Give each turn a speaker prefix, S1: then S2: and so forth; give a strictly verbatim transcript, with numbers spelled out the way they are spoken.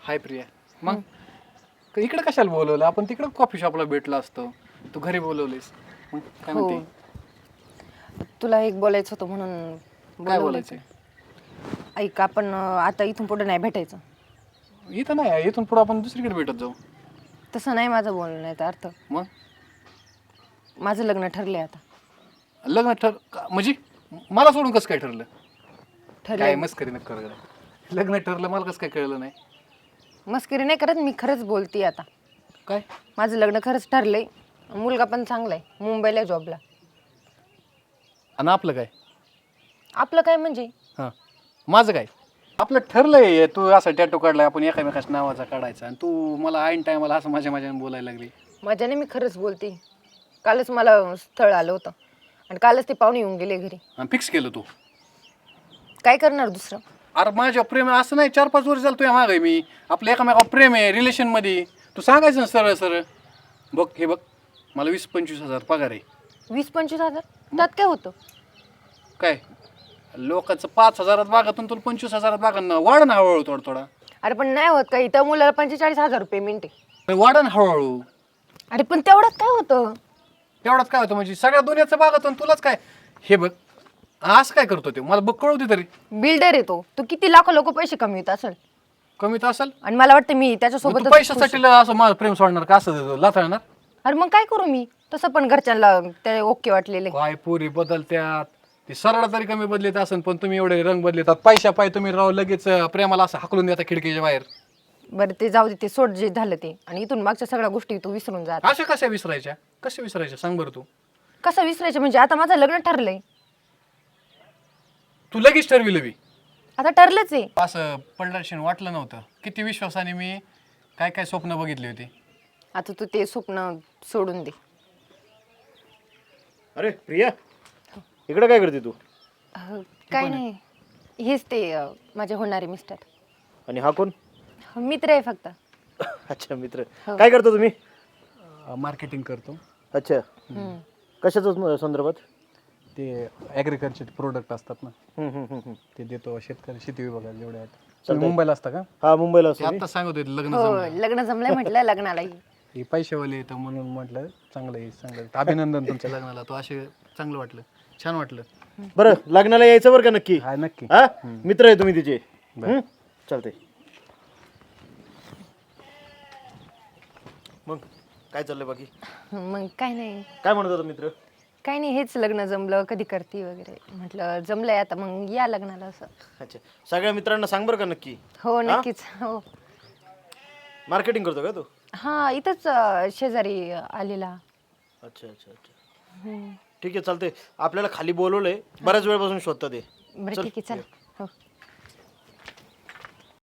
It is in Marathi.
S1: हाय प्रिया. मग इकडे कशाला बोलवलं? आपण तिकडे कॉफी शॉपला भेटलो असतो. तू घरी बोलवलीस. मग काय
S2: हो
S1: म्हणते?
S2: तुला एक बोलायचं होतं म्हणून
S1: काय
S2: बोलवलं
S1: बोलायचंय?
S2: होतं. ऐक आपण अं, आता इथून पुढे नाही भेटायचं.
S1: इथं नाही, इथून पुढे आपण दुसरीकडे भेटत जाऊ.
S2: तसं नाही माझं बोलण्याचा अर्थ.
S1: मग
S2: माझं लग्न ठरलंय आता.
S1: लग्न ठर का- म्हणजे मला सोडून कसं काय ठरलं? काय
S2: ठरलंय.
S1: मस्करी नका करू जरा. लग्न ठरलं मला कसं काय कळलं नाही?
S2: मस्करी नाही करत, मी खरंच बोलते आता.
S1: काय?
S2: माझं लग्न खरंच ठरलंय. मुलगा पण चांगला आहे, मुंबईला जॉबला.
S1: आणि आपलं काय?
S2: आपलं काय म्हणजे?
S1: हां, माझं काय? आपलं ठरलंय, तू असा टॅटू काढलाय, आपण एकामेकाच्या नावाचा काढायचा, आणि तू मला ऐन टायमाला असं माझ्या माझ्याने बोलायला लागली.
S2: माझ्याने मी खरंच बोलते. कालच मला स्थळ आलं होतं आणि कालच ते पाहुणे येऊन गेले घरी.
S1: आणि फिक्स केलं तू?
S2: काय करणार दुसरं?
S1: अरे माझ्या प्रेम असं नाही, चार पाच वर्ष झालं तुझ्या मागं आहे मी. आपलं एकामेका प्रेम आहे रिलेशनमध्ये. तू सांगायचं ना सरळ सरळ. बघ हे बघ, मला वीस पंचवीस हजार पगार आहे.
S2: वीस पंचवीस हजार त्यात काय होतं?
S1: काय लोकांचं पाच हजारात बागातून तुला पंचवीस हजारात बागा वाढ ना हळूहळू थोडा थोडा.
S2: अरे पण नाही होत काही, त्या मुलाला पंचेचाळीस हजार पेमेंट आहे.
S1: वाढ ना हळूहळू.
S2: अरे पण तेवढ्यात काय होतं?
S1: तेवढाच काय होतं म्हणजे सगळ्या दुनियाचं बागातून तुलाच काय? हे बघ असं काय करतो ते मला बघ कळू दे तरी.
S2: बिल्डर येतो तो, किती लाखो लोक पैसे कमवित असेल.
S1: कमी तर असेल.
S2: आणि मला वाटतं मी
S1: मग
S2: त्याच्यासोबत
S1: तू पैशासाठी असं माझं प्रेम सोडणार का? असं लाथळणार?
S2: अरे मग काय करू मी? तसं पण घरच्यांना ते ओके वाटलेले.
S1: काय पोरी बदलत्यात. ते सरळ तरी कमी बदलत असेल, पण तुम्ही एवढे रंग बदलतात. पैशा पाय तुम्ही राव लगेच प्रेमाला असं हाकलून देता खिडकीच्या बाहेर.
S2: बरं ते जाऊ दे, ते सोड जे झालं ते. आणि इथून मागच्या सगळ्या गोष्टी तू विसरून जा.
S1: अशा कशा विसरायच्या? कशा विसरायच्या सांग बरं तू.
S2: कसं विसरायचं म्हणजे? आता माझं लग्न ठरलंय.
S1: तू लगेच ठरविलं बी?
S2: आता ठरलंच आहे.
S1: असं पडल्याशिवाय वाटलं नव्हतं. किती विश्वासाने मी काय काय स्वप्न बघितली होती.
S2: आता तू ते स्वप्न सोडून दे.
S3: अरे प्रिया, इकडे काय करते तू?
S2: अह, काय नाही, हेच ते अह, माझे होणारे मिस्टर.
S3: आणि हा कोण?
S2: मित्र आहे फक्त.
S3: अच्छा मित्र. काय करतो तुम्ही?
S1: मार्केटिंग करतो.
S3: अच्छा,
S2: हम्म.
S3: कशाचं संदर्भात?
S1: ते ॲग्रिकल्चर प्रोडक्ट असतात ना,
S3: हम्म, हम्म, हम्म, हम्म.
S1: ते देतो शेतकरी शेती विभागाला जेवढे आहेत. तुम्ही मुंबईला असता का?
S3: हा मुंबईला असतो मी.
S1: आता सांगत होते लग्न
S2: हो
S1: जमलं.
S2: लग्न जमलंय म्हटलं लग्नालाही.
S1: हे पैशावाले येतं म्हणून म्हटलं चांगलं आहे चांगलं आहे. अभिनंदन तुमच्या लग्नाला. तो असे चांगलं वाटलं, छान वाटलं.
S3: बरं लग्नाला यायचं बरं का नक्की?
S1: हा नक्की.
S3: हा मित्र आहे तुम्ही तिचे. हम्म? चालतंय. मग काय चाललंय बाकी?
S2: मग काय नाही,
S3: काय म्हणत होता मित्र?
S2: काय नाही, हेच लग्न जमलं कधी करते वगैरे. म्हटलं जमलंय आता मग या लग्नाला असं.
S3: अच्छा, सगळ्या मित्रांना सांग बरं का नक्की.
S2: हो नक्कीच. हो
S3: मार्केटिंग करतो का तू?
S2: हा इथंच अह, शेजारी आलेला.
S3: अच्छा अच्छा अच्छा,
S2: हम्म.
S3: ठीक आहे चालतंय. आपल्याला खाली बोलवलंय, बऱ्याच वेळपासून शोधतात ते.
S2: बरं ठीक आहे चला. हो